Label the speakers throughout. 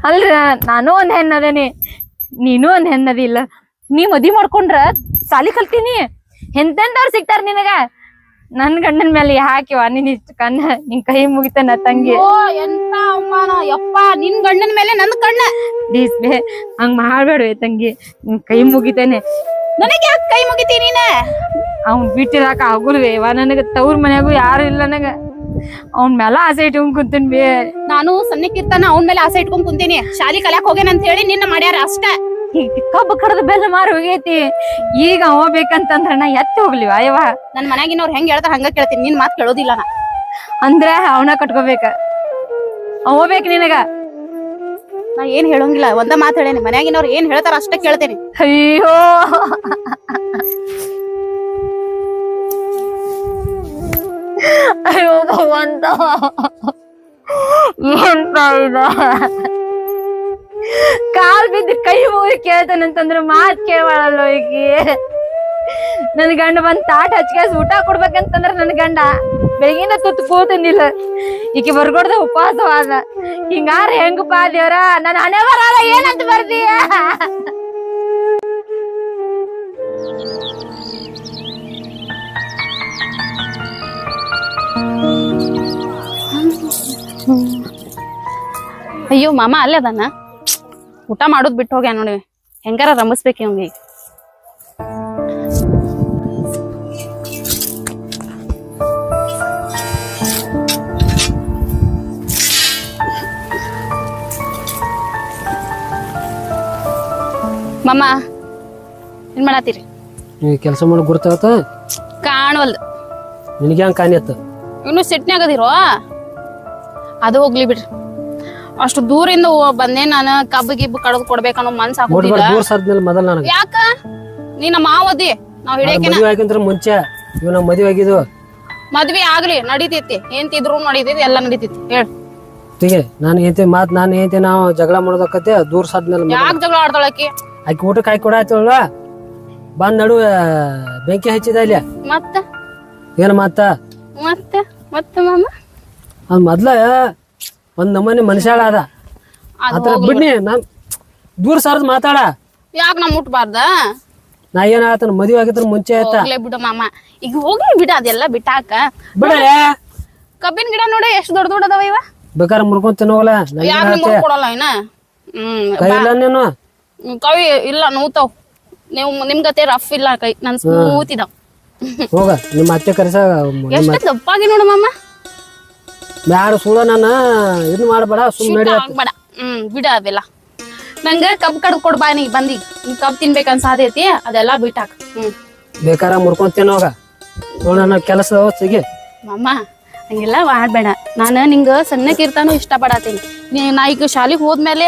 Speaker 1: ಅಲ್ರ ನಾನು ಒಂದ್ ಹೆಣ್ಣದೇನಿ, ನೀನು ಒಂದ್ ಹೆಣ್ಣದಿಲ್ಲ. ನೀ ಮದ್ವಿ ಮಾಡ್ಕೊಂಡ್ರ ಸಾಲಿ ಕಲ್ತೀನಿ, ಎಂತೆಂತವ್ರು ಸಿಗ್ತಾರ ನಿನಗ. ನನ್ ಗಂಡನ ಮೇಲೆ ಹಾಕಿವ ನೀನ್ ಇಷ್ಟ ಕಣ್ಣ, ನಿನ್ ಕೈ ಮುಗಿತಾನ ತಂಗಿ.
Speaker 2: ಎಂತ ಅವಮಾನ ಯಪ್ಪ, ನಿನ್ ಗಂಡನ ಮೇಲೆ ನನ್ ಕಣ್ಣ.
Speaker 1: ಪ್ಲೀಸ್ ಬೇ, ಹಂಗ್ ಮಾಡ್ಬೇಡ್ವೆ ತಂಗಿ, ನಿನ್ ಕೈ ಮುಗಿತೇನೆ.
Speaker 2: ನನಗೆ ಯಾಕೆ ಕೈ ಮುಗಿತಿ ನೀನ?
Speaker 1: ಅವ್ನ್ ಬಿಟ್ಟಿರಾಕ ಆಗುಲ್ವೇ ಇವ ನನಗ. ತವ್ರ ಮನ್ಯಾಗು ಯಾರು ಇಲ್ಲ ನನಗ. ಅವ್ನ ಮೇಲೆ ಆಸೆ ಇಟ್ಕೊಂಡ್ ಕುಂತೀನಿ ಬೇ.
Speaker 2: ನಾನು ಸಣ್ಣಕ್ಕಿರ್ತಾನ ಅವನ್ ಮೇಲೆ ಆಸೆ ಇಟ್ಕೊಂಡ್ ಕುಂತೀನಿ. ಶಾಲಿ ಕಲ್ಯಾಕ್ ಹೋಗೇನ ಅಂತ ಹೇಳಿ ನಿನ್ನ ಮಾಡ್ಯಾರ ಅಷ್ಟ.
Speaker 1: ಕಬ್ಬು ಕಡದ ಬೆಲ್ಲ ಮಾರು ಹೋಗೈತಿ. ಈಗ ಅವ ಬೇಕಂತಂದ್ರ ನಾ ಎತ್ತಿ ಹೋಗ್ಲಿವ ಅಯ್ಯವ.
Speaker 2: ನನ್ ಮನ್ಯಾಗಿನವ್ರು ಹೆಂಗ್ ಹೇಳ್ತಾರ ಹಂಗ ಕೇಳ್ತೀನಿ, ನಿನ್ ಮಾತ್ ಕೇಳೋದಿಲ್ಲ ನಾ.
Speaker 1: ಅಂದ್ರೆ ಅವನ ಕಟ್ಕೋಬೇಕ, ಅವ ಬೇಕ ನಿನಗ.
Speaker 2: ನಾ ಏನ್ ಹೇಳಂಗಿಲ್ಲ, ಒಂದ ಮಾತ್ ಹೇಳೇನಿ. ಮನ್ಯಾಗಿನವ್ರು ಏನ್ ಹೇಳ್ತಾರ ಅಷ್ಟ ಕೇಳ್ತೇನೆ.
Speaker 1: ಅಯ್ಯೋ ಅಯ್ಯೋ ಭಗವಂತ, ಎಂತ ಇದ. ಕಾಲ್ ಬಿದ್ದು ಕೈ ಮುಗಿ ಕೇಳ್ತಾನಂತಂದ್ರ ಮಾತ್ ಕೇಳಲ್ಲ ಈಕಿ. ನನ್ ಗಂಡ ಬಂದ್ ತಾಟ್ ಹಚ್ಕಾಸ್ ಊಟ ಕೊಡ್ಬೇಕಂತಂದ್ರ ನನ್ ಗಂಡ ಬೆಳಗಿನ ತುತ್ತು ಕೂತಂದಿಲ್ಲ. ಈಕಿ ಬರ್ಕೊಡ್ದ ಉಪವಾಸವಾದ. ಹಿಂಗಾರ ಹೆಂಗಪ್ಪ ದೇವ್ರ, ನನ್ ಹಣೆ ಬರಲ್ಲ ಏನಂತ ಬರ್ದೀಯ?
Speaker 2: ಅಯ್ಯೋ ಮಾಮ ಅಲ್ಲೇ ಅದಾನ, ಊಟ ಮಾಡೋದ್ ಬಿಟ್ಟು ಹೋಗ್ಯ ನೋಡಿ. ಹೆಂಗಾರ ರಂಬಿಸ್ಬೇಕು ಇವಂಗ ಈಗ. ಮಾಮ ಏನ್ ಮಾಡತ್ತೀರಿ?
Speaker 3: ನೀ ಕೆಲಸ ಮಾಡೋ ಗುರ್ತಾವತ್ತ
Speaker 2: ಕಾಣವಲ್ದು.
Speaker 3: ನಿನಗೆ ಹಂಗ ಕಾಣಿಯತ್ತ?
Speaker 2: ಇನ್ನು ಸಿಟ್ನ್ಯಾಗದಿರೋ. ಅದು ಹೋಗ್ಲಿ ಬಿಡ್ರಿ. ಅಷ್ಟು ದೂರಿಂದ ಬಂದೆ ನಾನು. ಕಬ್ಬು ಗಿಬ್ಬು ಕಡದ್ ಕೊಡ್ಬೇಕನ್ನೋ ಮನ್ಸ್ ಹಾಕೋದಿಲ್ಲ.
Speaker 3: ದೂರ ಸರ್ದ್ಮೇಲೆ ಮೊದಲ ನನಗೆ
Speaker 2: ಯಾಕ ನೀ ನಮ್ಮ ಮಾವದಿ, ನಾವ್ ಹಿಡಿಯಕ್ಕೆ.
Speaker 3: ಮದುವೆ ಆಗಿಂದ್ರ ಮುಂಚೆ ಇವ್ ನಮ್ಮ ಮದುವೆ ಆಗಿದ್ವು.
Speaker 2: ಮದ್ವಿ ಆಗ್ಲಿ ನಡೀತೈತಿ, ಏನ್ತಿದ್ರು ನಡೀತೈತಿ, ಎಲ್ಲಾ ನಡೀತೈತಿ. ಹೇಳ್
Speaker 3: ತಿಗೆ ನಾನು ಏಂತೆ ಮಾತ್ ನಾನು ಏಂತೆ ನಾವು ಜಗಳ ಮಾಡೋದಕ್ಕತ್ತೆ ದೂರ ಸರ್ದ್ಮೇಲೆ.
Speaker 2: ಯಾಕೆ ಜಗಳ ಆಡ್ತಾಳಕಿ?
Speaker 3: ಆಕಿ ಊಟಕ್ಕೆ ಹಾಕಿ ಕೊಡಾಯ್ತಳ, ಬಂದ್ ನಡು ಬೆಂಕಿ ಹಚ್ಚಿದ ಇಲ್ಲಿ.
Speaker 2: ಮತ್ತ
Speaker 3: ಏನ ಮಾತ
Speaker 2: ಮತ್ತೆ ಮತ್ತೆ ಮಾಮ
Speaker 3: ಅದ್ ಮೊದ್ಲ ಒಂದ್ ನಮ್ಮನೆ ಮನುಷ್ಯಾಳ ಅದ. ಆತರ ಬಿಡ್ನಿ, ನಾನ್ ದೂರ ಸರ್ದ್ ಮಾತಾಡ.
Speaker 2: ಯಾಕ ನಾ ಮುಟ್ಬಾರ್ದ?
Speaker 3: ನಾ ಏನ ಆತನ ಮದ್ವೆ ಆಗಿದ್ರ ಮುಂಚೆ ಆಯ್ತ.
Speaker 2: ಹೋಗ್ಲೇ ಬಿಡು ಮಾಮ, ಈಗ ಹೋಗ್ಲಿ ಬಿಡ ಅದೆಲ್ಲ ಬಿಟ್ಟಾಕ.
Speaker 3: ಬಿಡ
Speaker 2: ಕಬ್ಬಿನ ಗಿಡ ನೋಡಿ ಎಷ್ಟ್ ದೊಡ್ಡ ದೊಡ್ಡ ಅದಾವ ಇವ.
Speaker 3: ಬೇಕಾದ್ರೆ ಮುರ್ಕೊಂಡ್ ತಿನ್ನೋಗಲ್ಲ.
Speaker 2: ಯಾಕೆ ಕೊಡಲ್ಲ ಇನ್ನ?
Speaker 3: ಕೈ ಇಲ್ಲ ನೀನು?
Speaker 2: ಕವಿ ಇಲ್ಲ, ನೋತಾವ್. ನೀವು ನಿಮ್ಗತೆ ರಫ್ ಇಲ್ಲ ಕೈ, ನನ್ ಸ್ಮೂತ್ ಇದಾವ್.
Speaker 3: ಹೋಗ ನಿಮ್ಮ ಅತ್ತೆ ಕರೆಸ.
Speaker 2: ಎಷ್ಟು ದಪ್ಪಾಗಿ ನೋಡು ಮಾಮ.
Speaker 3: ಬ್ಯಾಡ ಸುಳ್ಳ, ನಾನು ಇದನ್ನ ಮಾಡ್ಬೇಡ, ಸುಮ್ಮನೆ
Speaker 2: ಆಗ್ಬೇಡ. ಬಿಡ ಅವೆಲ್ಲ. ನಂಗ ಕಬ್ ಕಡ್ದು ಕೊಡ್ಬಾ ನೀ ಬಂದಿ. ಕಬ್ ತಿನ್ಬೇಕನ್ಸಾದೈತಿ, ಅದೆಲ್ಲ ಬಿಟ್ಟಾಕ.
Speaker 3: ಬೇಕಾರ ಮುರ್ಕೊಂಡ್ ತಿನ್ನೋಗ. ನೋಡ ಕೆಲಸ ಸಿಗಿ
Speaker 2: ಮಾಮ ಹಂಗೆಲ್ಲ ಮಾಡ್ಬೇಡ. ನಾನ ನಿಂಗ ಸಣ್ಣಕ್ಕಿರ್ತಾನು ಇಷ್ಟ ಪಡತೀನಿ. ನಾ ಈಗ ಶಾಲಿಗೆ ಹೋದ್ಮೇಲೆ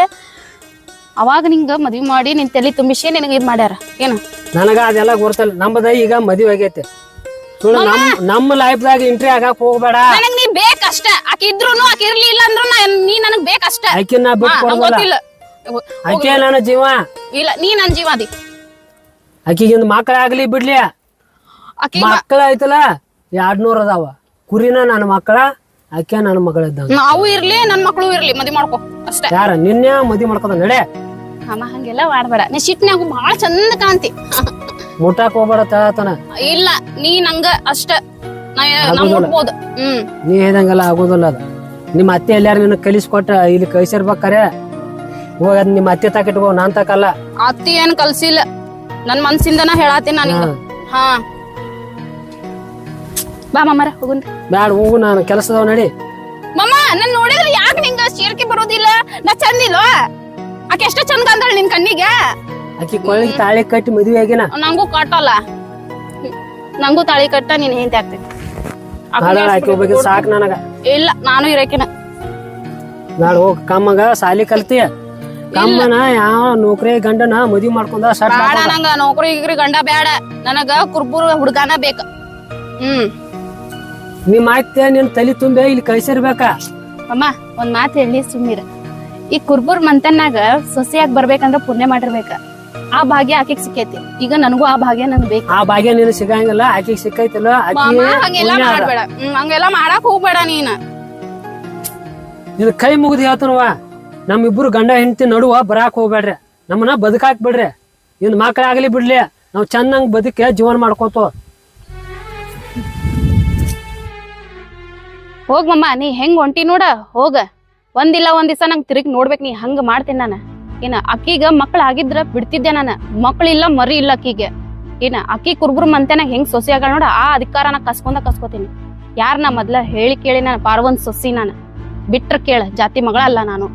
Speaker 2: ಅವಾಗ ನಿಂಗ ಮದ್ವಿ ಮಾಡಿ ನಿನ್ ತಲೆ ತುಂಬಿಸಿ ನಿನಗ ಇದ್ ಮಾಡ್ಯಾರ ಏನ? ನನಗ
Speaker 3: ಅದೆಲ್ಲ ಗೊತ್ತಲ್ಲ. ನಮ್ಮದ ಈಗ ಮದ್ವಿ ಆಗೈತೆ. ಸುಳ್ಳು ನಮ್ಮ ಲೈಫ್ದಾಗ ಎಂಟ್ರಿ ಆಗಾಕ್ ಹೋಗ್ಬೇಡ.
Speaker 2: ನನಗ್ ನೀ ಬೇಕಷ್ಟ. ಆಕಿ ಇದ್ರೂನು ಆಕಿ ಇರ್ಲಿ ಇಲ್ಲ ಅಂದ್ರು ನೀ ನನಗ್ ಬೇಕಷ್ಟ.
Speaker 3: ಆಕಿ ನಾ
Speaker 2: ಗೊತ್ತಿಲ್ಲ.
Speaker 3: ಆಕೆ ನನ್ನ ಜೀವ
Speaker 2: ಇಲ್ಲ, ನೀ ನನ್ ಜೀವ ಅದಿ.
Speaker 3: ಆಕಿಗಿಂದ ಮಕ್ಕಳ ಆಗ್ಲಿ ಬಿಡ್ಲಿ, ಮಕ್ಕಳ ಐತಲ್ಲ 200 ಅದಾವ. ಕುರಿನ ನನ್ನ ಮಕ್ಕಳ, ಆಕೆ ನನ್ನ ಮಗಳ ಇದ್ದಂಗ.
Speaker 2: ನಾವು ಇರ್ಲಿ, ನನ್ ಮಕ್ಳು ಇರ್ಲಿ, ಮದ್ವಿ ಮಾಡ್ಕೊ ಅಷ್ಟೇ.
Speaker 3: ಯಾರ ನಿನ್ನೆ ಮದ್ವಿ ಮಾಡ್ಕೋದ ನಡೆ.
Speaker 2: ಅಮ್ಮ ಹಂಗೆಲ್ಲ ಮಾಡ್ಬೇಡ. ನೀ ಸಿಟ್ನ್ಯಾಗು ಬಾಳ ಚಂದ ಕಾಣ್ತಿ.
Speaker 3: ಮುಟ್ಟಾಕ್ ಹೋಗ್ಬೇಡ ತಳತನ.
Speaker 2: ಇಲ್ಲ, ನೀ ನಂಗ ಅಷ್ಟ ಮುಟ್ಬೋದು.
Speaker 3: ನೀ ಹೇಳ್ದಂಗೆಲ್ಲ ಆಗೋದಿಲ್ಲ ಅದ. ನಿಮ್ಮ ಅತ್ತೆ ಎಲ್ಲಾರು ನಿನ್ನ ಕಲಿಸ್ಕೊಟ್ಟ ಇಲ್ಲಿ ಕಳ್ಸಿರ್ಬೇಕಾರೆ ಹೋಗ ನಿಮ್ಮ ಅತ್ತೆ ತಾಕಿಟ್ಕೋ, ನಾನ್ ತಾಕಲ್ಲ.
Speaker 2: ಅತ್ತಿ ಏನ್ ಕಲ್ಸಿಲ್ಲ, ನನ್ ಮನ್ಸಿಂದನ ಹೇಳಾತೀನಿ ನಾನು. ಹಾ ಬಾ ಮಾಮರ ಹೋಗುನ್ರಿ.
Speaker 3: ಬ್ಯಾಡ ಹೋಗು, ನಾನು ಕೆಲಸದವ್ ನಡಿ.
Speaker 2: ಮಮ್ಮ ನನ್ ನೋಡಿದ್ರೆ ಯಾಕೆ ನಿಂಗ ಸೇರ್ಕೆ ಬರೋದಿಲ್ಲ? ನಾ ಚಂದಿಲ್ವ? ಆಕೆ ಎಷ್ಟ ಚಂದ ಅಂದಳ ನಿನ್ ಕಣ್ಣಿಗೆ.
Speaker 3: ಆಕಿ ಕೊಳ್ಳಿಗೆ ತಾಳಿ ಕಟ್ಟಿ ಮದ್ವೆ ಆಗಿನ.
Speaker 2: ನಂಗೂ ಕಟ್ಟಲ್ಲ, ನಂಗೂ ತಾಳಿ ಕಟ್ಟ ನೀನ್ ಹೆಂಡತಿ ಆಗ್ತೈತಿ.
Speaker 3: ಆಕಿ ಸಾಕ್ ನನಗ.
Speaker 2: ಇಲ್ಲ, ನಾನು ಇರಕಿನ.
Speaker 3: ಬ್ಯಾಡ ಹೋಗ್, ಕಮ್ಮಗ ಸಾಲಿ ಕಲ್ತಿಯ. ಕಮ್ಮನ ಯಾವ ನೌಕರಿ ಗಂಡನ ಮದ್ವಿ ಮಾಡ್ಕೊಂಡ.
Speaker 2: ಬೇಡ ನಂಗ ನೌಕರಿ ಗಿಗ್ರಿ ಗಂಡ ಬೇಡ, ನನಗ ಕುರ್ಬುರ್ ಹುಡ್ಗಾನ ಬೇಕ.
Speaker 3: ನಿಮ್ ಅತ್ತೆ ನಿನ್ ತಲಿ ತುಂಬೆ ಇಲ್ಲಿ ಕಳ್ಸಿರ್ಬೇಕ.
Speaker 2: ಅಮ್ಮ ಒಂದ್ ಮಾತ್ ಹೇಳಿ ಸುಮ್ಮೀರ. ಈ ಕುರ್ಬುರ್ ಮಂತನ್ನಾಗ ಸೊಸೆಯಾಗಿ ಬರ್ಬೇಕಂದ್ರ ಪುಣ್ಯ ಮಾಡಿರ್ಬೇಕ. ಆ ಭಾಗ್ಯ ಆಕಿಗ್ ಸಿಕ್ಕೈತಿ. ಈಗ ನನಗೂ ಆ ಭಾಗ್ಯ ನನ್ಗೆ ಬೇಕು.
Speaker 3: ಆ ಭಾಗ್ಯ ನೀನು ಸಿಗಂಗಿಲ್ಲ, ಆಕಿಗ್ ಸಿಕ್ಕೈತಿಲ್ಲ.
Speaker 2: ಹಂಗೆಲ್ಲಾ ಮಾಡ್ಬೇಡ, ಹಂಗೆಲ್ಲಾ ಮಾಡಾಕ್ ಹೋಗ್ಬೇಡ. ನೀನ್
Speaker 3: ಕೈ ಮುಗಿದು ಹೇಳ್ತಾನವ, ನಮ್ಮಿಬ್ರು ಗಂಡ ಹೆಂಡತಿ ನಡುವ ಬರಾಕ್ ಹೋಗ್ಬೇಡ್ರಿ, ನಮ್ಮನ್ನ ಬದುಕಾಕ್ ಬಿಡ್ರಿ. ಇನ್ ಮಕ್ಳಾಗ್ಲಿ ಬಿಡ್ಲಿ, ನಾವ್ ಚೆನ್ನಾಗ್ ಬದುಕೆ ಜೀವನ ಮಾಡ್ಕೋತ.
Speaker 2: ಹೋಗ್ ಮಮ್ಮ, ನೀ ಹೆಂಗ್ ಹೊಂಟಿ ನೋಡ ಹೋಗ. ಒಂದಿಲ್ಲ ಒಂದ್ ದಿವಸ ನಂಗೆ ತಿರುಗಿ ನೋಡ್ಬೇಕು, ನೀ ಹಂಗ ಮಾಡ್ತೀನಿ ನಾನು. ಏನ ಅಕ್ಕಿಗ ಮಕ್ಳ ಆಗಿದ್ರ ಬಿಡ್ತಿದ್ದೆ ನಾನು. ಮಕ್ಳಿಲ್ಲ ಮರಿ ಇಲ್ಲ ಅಕ್ಕಿಗೆ. ಏನ ಅಕ್ಕಿ ಕುರ್ಬುರ್ ಮಂತೆನಾಗ ಹೆಂಗ್ ಸೊಸಿ ಆಗ ನೋಡ, ಆ ಅಧಿಕಾರ ನಾ ಕಸ್ಕೋತೀನಿ. ಯಾರ ನಾ ಮೊದ್ಲ ಹೇಳಿ ಕೇಳಿ ನಾನು ಪಾರ್ವಂದ್ ಸೊಸಿ ನಾನು. ಬಿಟ್ರ ಕೇಳ, ಜಾತಿ ಮಗಳ ಅಲ್ಲ ನಾನು.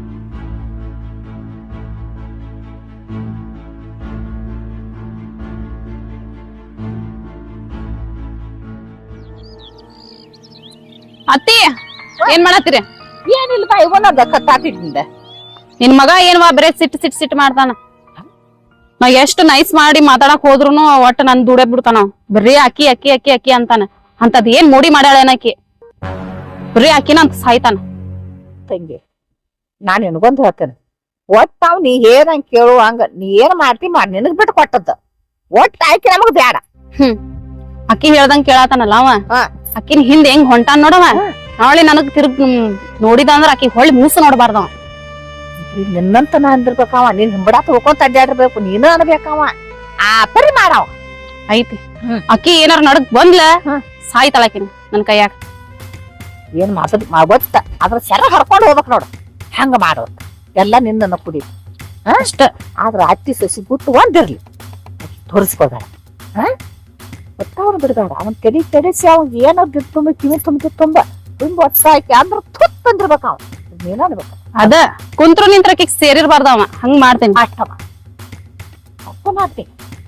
Speaker 2: ಅತ್ತಿ ಏನ್ ಮಾಡತ್ತೀರಿ?
Speaker 4: ಏನಿಲ್ವಾ ಇವನದ ಕತ್ತಾತಿದ್ದ
Speaker 2: ನಿನ್ ಮಗ ಏನ್ವಾ ಬರೇ ಸಿಟ್ ಮಾಡ್ತಾನ. ನಾ ಎಷ್ಟು ನೈಸ್ ಮಾಡಿ ಮಾತಾಡಕ್ ಹೋದ್ರುನು ಒಟ್ಟ ನನ್ ದುಡೇ ಬಿಡ್ತಾನ. ಬರೀ ಅಕ್ಕಿ ಅಕ್ಕಿ ಅಕ್ಕಿ ಅಕ್ಕಿ ಅಂತಾನ. ಅಂತದ್ ಏನ್ ನೋಡಿ ಮಾಡ್ಯಾಳೇನಕಿ? ಬರೀ ಅಕ್ಕಿನ ಅಂತ ಸಾಯ್ತಾನ.
Speaker 4: ತಂಗಿ ನಾನ್ ನಿನಗೊಂದು ಹೇಳ್ತೇನೆ, ಒಟ್ಟ ಅವ್ ನೀ ಏನಂಗ್ ಕೇಳು ಹಂಗ ನೀ ಏನ್ ಮಾಡ್ತಿ ಮಾಡಿ ನಿನಗ್ ಬಿಟ್ಟು ಕೊಟ್ಟದ್ದ. ಒಟ್ಟ ಆಯ್ಕೆ ನಮಗ್ ಬ್ಯಾಡ.
Speaker 2: ಅಕ್ಕಿ ಹೇಳ್ದಂಗ್ ಕೇಳತಾನಲ್ಲ ಅವ.
Speaker 4: ಹಾ.
Speaker 2: ಅಕ್ಕಿನ ಹಿಂದ್ ಹೆಂಗ್ ಹೊಂಟಾನ್ ನೋಡವ. ನಾಳೆ ನನಗ್ ತಿರ್ಗ್ ನೋಡಿದ ಅಂದ್ರ ಅಕ್ಕಿ ಹೊಳ್ಳಿ ಮೂಸು ನೋಡ್ಬಾರ್ದವ.
Speaker 4: ನಿನ್ನಂತ ನಾ ಅಂದಿರ್ಬೇಕವ, ನೀನ್ ಹಿಂಬಡ ತಗೋಕೊಂತ ಅಡ್ಡಾಡಿರ್ಬೇಕು, ನೀನು ಅನ್ಬೇಕವ. ಆ ಪರಿ ಮಾಡವ
Speaker 2: ಐತಿ. ಅಕ್ಕಿ ಏನಾರ ನಡಕ್ ಬಂದ್ಲ ಸಾಯ್ತಾಳಕಿನ ನನ್ ಕೈಯಾಗ.
Speaker 4: ಏನ್ ಗೊತ್ತ ಅದ್ರ ಸೆರ ಹರ್ಕೊಂಡ್ ಹೋಗ್ಬೇಕ್ ನೋಡು. ಹಂಗ ಮಾಡೋ ಎಲ್ಲ ನಿನ್ನ ಕುಡಿ
Speaker 2: ಅಷ್ಟ.
Speaker 4: ಆದ್ರ ಅತ್ತಿ ಸಸಿ ಬಿಟ್ಟು ಒಂದಿರ್ಲಿ, ತೋರಿಸ್ಕೋಬೇಡ. ಒಟ್ಟವ್ರು ಬಿಡ್ಬೇಡ. ಅವನ್ ತೆಡಿಸಿ ಅವ್ ಏನೋ ತುಂಬ ಕಿವಿ ತುಂಬ ಒತ್ತಾಕಿ ಅಂದ್ರ ತುತ್ ಅಂದಿರ್ಬೇಕ. ಅವ ನೀನ ಅನ್ಬೇಕ.
Speaker 2: ಅದ ಕುಂತ್ರು ನಿಂತ್ರಕಿ ಸೇರಿರ್ಬಾರ್ದವ. ಹಂಗ್ ಮಾಡ್ತೇನಿ.
Speaker 4: ಅಷ್ಟವ ಅಪ್ಪ ಮಾಡ್ತೀನಿ.